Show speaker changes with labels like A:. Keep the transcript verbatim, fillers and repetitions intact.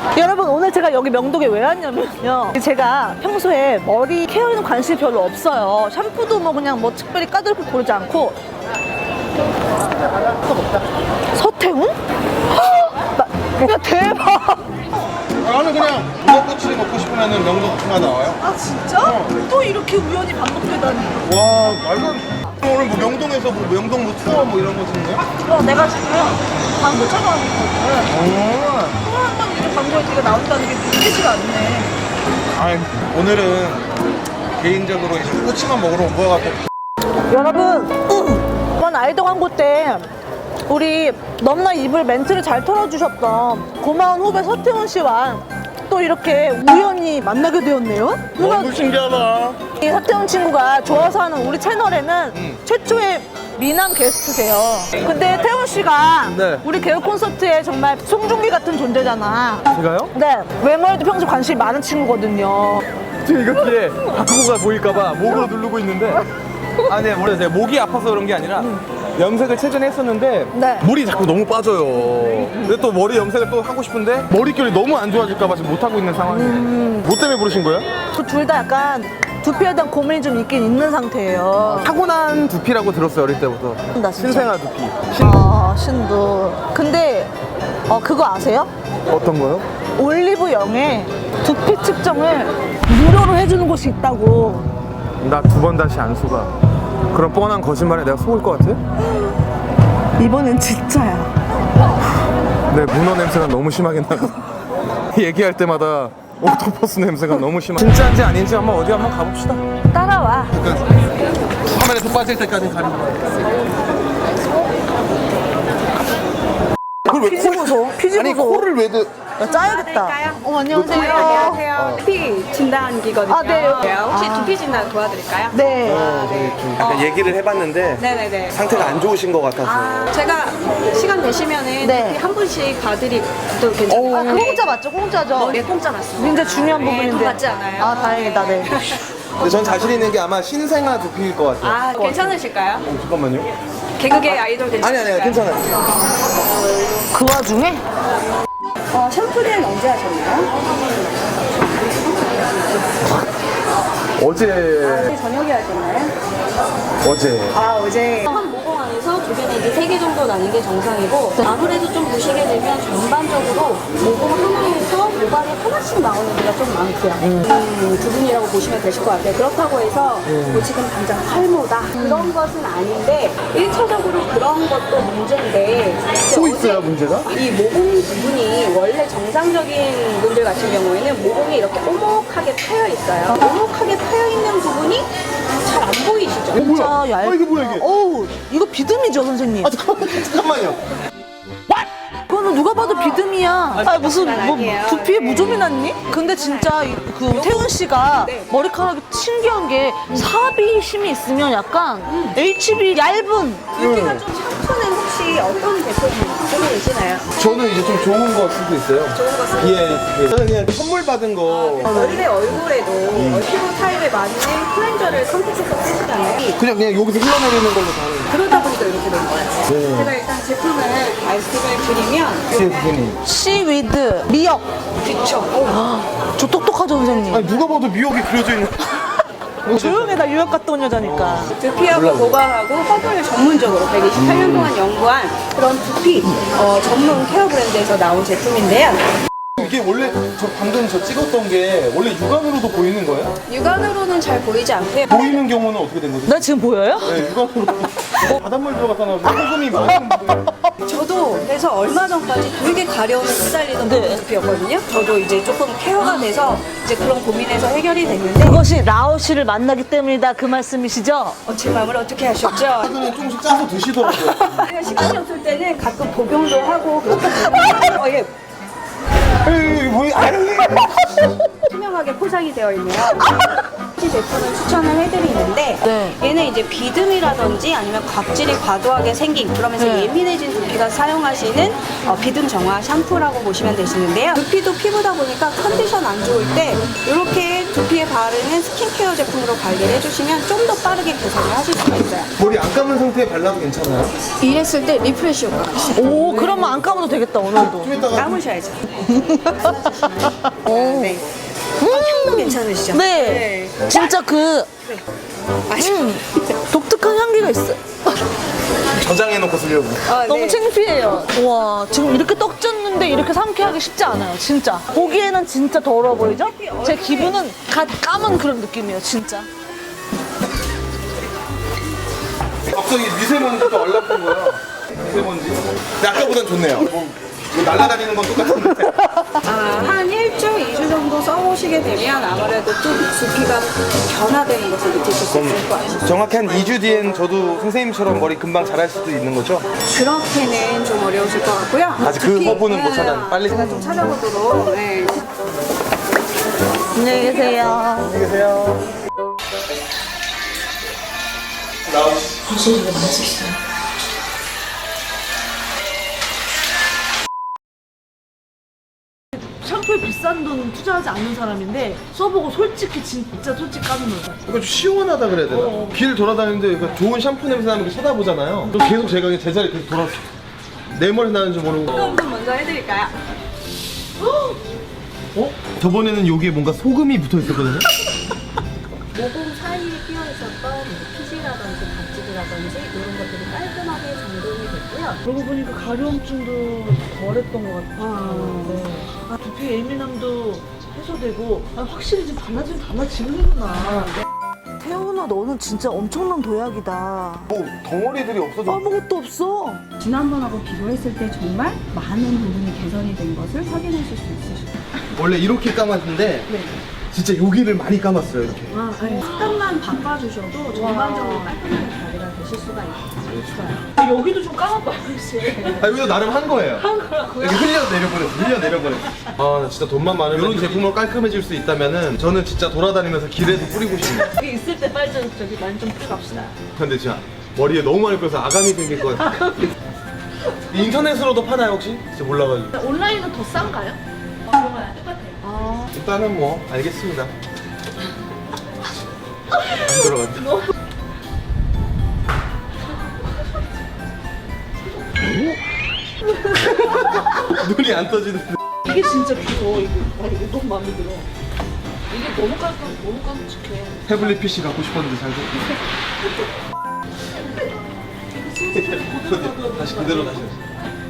A: 여러분 오늘 제가 여기 명동에 왜 왔냐면요, 제가 평소에 머리 케어에는 관심이 별로 없어요. 샴푸도 뭐 그냥 뭐 특별히 까다롭게 고르지 않고. 서태훈? 야 대박.
B: 나는 그냥 무궁꼬치 먹고 싶으면 명동가 나와요.
A: 아 진짜?
B: 어.
A: 또 이렇게 우연히 반복되다니.
B: 와 말도 안 돼. 오늘 뭐 명동에서 뭐 명동 뭐 투어 뭐 이런 거 찍는 거야?
A: 어, 내가 지금 광고 촬영하고 있거든.
B: 오.
A: 또 한 번 이렇게 광고에 네가 나온다는 게 믿기지가 않네.
B: 아니 오늘은 개인적으로 이제 꼬치만 먹으러 온 거 같아.
A: 여러분, 이번 아이돌 광고 때 우리 넘나 입을 멘트를 잘 털어주셨던 고마운 후배 서태훈 씨와 또 이렇게 우연히 만나게 되었네요.
B: 너무 신기하다.
A: 이 서태훈 친구가 좋아서 하는 우리 채널에는
B: 음.
A: 최초의 미남 게스트세요. 근데 태훈 씨가
C: 네.
A: 우리 개그 콘서트에 정말 송중기 같은 존재잖아.
C: 제가요?
A: 네, 외모에도 평소에 관심이 많은 친구거든요.
C: 지금 이거 뒤에 바꾸고가 보일까봐 목으로 누르고 있는데 아, 네, 원래 제가 목이 아파서 그런 게 아니라 염색을 최근에 했었는데
A: 네.
C: 물이 자꾸 너무 빠져요. 근데 또 머리 염색을 또 하고 싶은데 머릿결이 너무 안 좋아질까봐 지금 못하고 있는 상황이에요.
A: 음.
C: 뭐 때문에 부르신 거예요?
A: 둘 다 약간 두피에 대한 고민이 좀 있긴 있는 상태예요.
C: 타고난 두피라고 들었어요, 어릴 때부터.
A: 나 진짜.
C: 신생아 두피. 신두.
A: 아, 신두. 근데 어, 그거 아세요?
C: 어떤 거요?
A: 올리브영에 두피 측정을 무료로 해주는 곳이 있다고.
C: 나 두 번 다시 안 속아. 그런 뻔한 거짓말에 내가 속을 것 같아?
A: 이번엔 진짜야.
C: 내 문어 냄새가 너무 심하게 나고 얘기할 때마다 옥토퍼스 냄새가 너무 심하. 진짜인지 아닌지 한번 어디 한번 가봅시다.
A: 따라와.
B: 카메라에서 빠질 때까지 가는 거야. 그걸 왜
A: 피지 보소. 피지
B: 아니
A: 보소.
B: 코를 왜 드...
A: 나 짜야겠다. 어, 안녕하세요.
D: 안녕하세요. 두피 진단기거든요.
A: 아, 네.
D: 혹시
A: 아.
D: 두피 진단 도와드릴까요?
A: 네.
C: 약간 얘기를 해봤는데
D: 네네네.
C: 상태가 안 좋으신 것 같아서.
D: 아, 제가 시간 되시면은
A: 네.
D: 두피 한 분씩 봐드리도 괜찮아요.
A: 아, 그 공짜 맞죠? 공짜죠?
D: 네, 공짜 맞습니다.
A: 굉장히 중요한
D: 네,
A: 부분인데.
D: 돈 받지 않아요.
A: 아, 다행이다. 네.
C: 근데 전 자신 있는 게 아마 신생아 두피일 것 같아요.
D: 아, 괜찮으실까요?
C: 어, 잠깐만요.
D: 개그계 아이돌
C: 아니
D: 괜찮으실까요?
C: 아니 괜찮아요.
A: 그 와중에
D: 어, 샴푸는 언제 하셨나요?
C: 어제
D: 저녁에 하셨나요?
C: 어제
D: 아, 어제. 한 모공 안에서 주변에 이제 세 개 정도 나는 게 정상이고, 아무래도 좀 보시게 되면 전반적으로 모공 하나에서 모발이 하나씩 나오는 데가 좀 많고요. 음, 부분이라고 보시면 되실 것 같아요. 그렇다고 해서 뭐 지금 당장 탈모다 그런 것은 아닌데 일 차적으로 그런 것도 문제인데
C: 또
D: 이제
C: 있어요
D: 어제
C: 문제가?
D: 이 모공 부분이 원래 정상적인 분들 같은 경우에는 모공이 이렇게 오목하게 파여 있어요. 오목하게 파여 있는 부분이 잘 안 보이시죠?
C: 어 뭐야?
A: 진짜 얇.
C: 아 이게 뭐야 이게?
A: 어우, 이거 비듬이죠, 선생님?
C: 아 잠깐만 잠깐만요.
A: 그거는 누가 봐도 비듬이야. 아, 무슨 뭐
D: 아니에요.
A: 두피에 무좀이 났니? 근데 진짜 이- 그 태훈 씨가
D: 네.
A: 머리카락이 신기한 게 삽이 힘이 있으면 약간 에이치비 얇은.
D: 두피가 좀 샴푸는 혹시 어떤 제품 쓰고 계시나요?
C: 저는 이제 좀 좋은 거 쓰고 있어요.
D: 좋은 거 쓰고
C: 예, 예. 저는 그냥 선물 받은 거
D: 원래 얼굴에도 피부 타입에 맞는 클렌저를 선택해서 쓰시잖아요.
C: 그냥 그냥 여기서 흘러내리는 걸로 다 하는
D: 그러다 보니까 이렇게 된 거예요.
C: 네.
D: 제가 일단 제품을 말씀을 드리면
C: 거예요. 선생님.
A: 시위드 미역.
D: 그쵸.
A: 저 똑똑하죠, 선생님?
C: 아니 누가 봐도 미역이 그려져 있는.
A: 조용해, 나 유학 갔다 온 여자니까.
D: 두피하고 모발하고 허브를 전문적으로 백이십팔 년 동안 연구한 그런 두피 어, 전문 케어 브랜드에서 나온 제품인데요.
C: 이게 원래 저 방금 저 찍었던 게 원래 육안으로도 보이는 거예요?
D: 육안으로는 잘 보이지 않고요.
C: 보이는 경우는 어떻게 된 거죠?
A: 나 지금 보여요?
C: 네, 육안으로. 어, 바닷물 들어갔다 나오면 소금이 많은 분들.
D: 저도 그래서 얼마 전까지 되게 가려움에 시달리던
A: 네.
D: 두피였거든요. 저도 이제 조금 케어가 돼서 이제 그런 고민에서 해결이 됐는데
A: 그것이 라오 씨를 만나기 때문이다, 그 말씀이시죠?
D: 어, 제 마음을 어떻게 하셨죠?
C: 최근에 조금씩 짜서 드시더라고요.
D: 제가 시간이 없을 때는 가끔 복용도 하고 그렇거든요. 어, 예,
C: 에이, 뭐야? 아유,
D: 투명하게 포장이 되어 있네요. 제품을 추천을 해드리는데
A: 네.
D: 얘는 이제 비듬이라든지 아니면 각질이 과도하게 생긴 그러면서
A: 네.
D: 예민해진 두피가 사용하시는 어, 비듬 정화 샴푸라고 보시면 되시는데요. 두피도 피부다 보니까 컨디션 안 좋을 때 이렇게 두피에 바르는 스킨케어 제품으로 관리를 해주시면 좀 더 빠르게 개선을 하실 수가 있어요.
C: 머리 안 감은 상태에 발라도 괜찮아요?
D: 이랬을 때 리프레시 효과가 있어요.
A: 오, 그러면 안 감아도 되겠다, 오늘도.
C: 좀 이따가
D: 감으셔야죠. 네. 어, 향도 괜찮으시죠?
A: 네. 진짜 그 음, 독특한 향기가 있어요.
C: 저장해놓고 쓰려고.
D: 아,
A: 너무
D: 네.
A: 창피해요. 와, 지금 이렇게 떡졌는데 이렇게 상쾌하기 쉽지 않아요, 진짜. 보기에는 진짜 더러워 보이죠? 제 기분은 갓 감은 그런 느낌이에요, 진짜.
C: 갑자기 미세먼지도 얼라픈 거야. 미세먼지. 근데 아까보단 좋네요. 뭐, 뭐 날아다니는 건 똑같은데.
D: 아, 한 일 주, 이 주 정도 써보시게 되면 아무래도 좀 두피가 변화되는 것을 느끼실 수 있을 것 같아요.
C: 정확히 한 이 주 뒤엔 저도 선생님처럼 머리 금방 자랄 수도 있는 거죠?
D: 그렇게는 좀 어려우실 것 같고요.
C: 아직 그 허브는 못 찾아. 빨리
D: 제가 좀 찾아보도록. 네.
A: 안녕히 계세요.
C: 안녕히 계세요.
A: 샴푸에 비싼 돈 투자하지 않는 사람인데 써보고 솔직히 진짜 솔직히 까는
C: 이거 좀 시원하다 그래야 되나?
A: 어.
C: 길 돌아다니는데 이거 좋은 샴푸 냄새 나는 거 쳐다보잖아요. 그럼 계속 제가 그냥 제자리에 계속 돌아서 내 머리 나는 줄 모르고.
D: 한번 먼저 해드릴까요?
C: 어? 저번에는 여기에 뭔가 소금이 붙어 있었거든요?
D: 모공 사이에 끼어 있었던 피지라든지 각질이라든지 이런 것들이 깔끔하게 정돈이 됐고요.
A: 그러고 보니까 가려움증도 덜했던 것 같아요. 네. 아, 두피 예민함도 해소되고 아, 확실히 지금 달라지면 달라지는구나. 태훈아, 너는 진짜 엄청난 도약이다.
C: 뭐 덩어리들이 없어져.
A: 아무것도 없어.
D: 지난번하고 비교했을 때 정말 많은 부분이 개선이 된 것을 확인하실 수 있으실 거예요.
C: 원래 이렇게 감았는데
A: 네.
C: 진짜 여기를 많이 감았어요 이렇게.
D: 아, 네. 습관만 바꿔주셔도 전반적으로 깔끔하게 관리가 되실 수가 있어요.
A: 여기도 좀 까맣다, 혹시.
C: 아 여기도 나름 한 거예요. 한 거라고요? 이렇게 흘려 내려보냈어. 흘려 내려보냈어. 아 진짜 돈만 많으면 이런 제품으로 깔끔해질 수 있다면은 저는 진짜 돌아다니면서 길에서 뿌리고 싶네요.
A: 여기 있을 때 빨리 좀 저기 많이 좀 풀갑시다.
C: 근데 진짜 머리에 너무 많이 뿌려서 아감이 생길 것 같아요. 인터넷으로도 파나요 혹시? 진짜 몰라가지고.
A: 온라인은 더 싼가요? 그거랑 똑같아요. 아.
C: 일단은 뭐 알겠습니다. 안 들어간다. 눈이 안 떠지는데.
A: 이게 진짜 귀여워. 이게, 아, 이게 너무 마음에 들어. 이게 너무 깔끔, 너무 깜찍해.
C: 태블릿 피씨 갖고 싶었는데 잘 됐고. 다시 그대로 다시.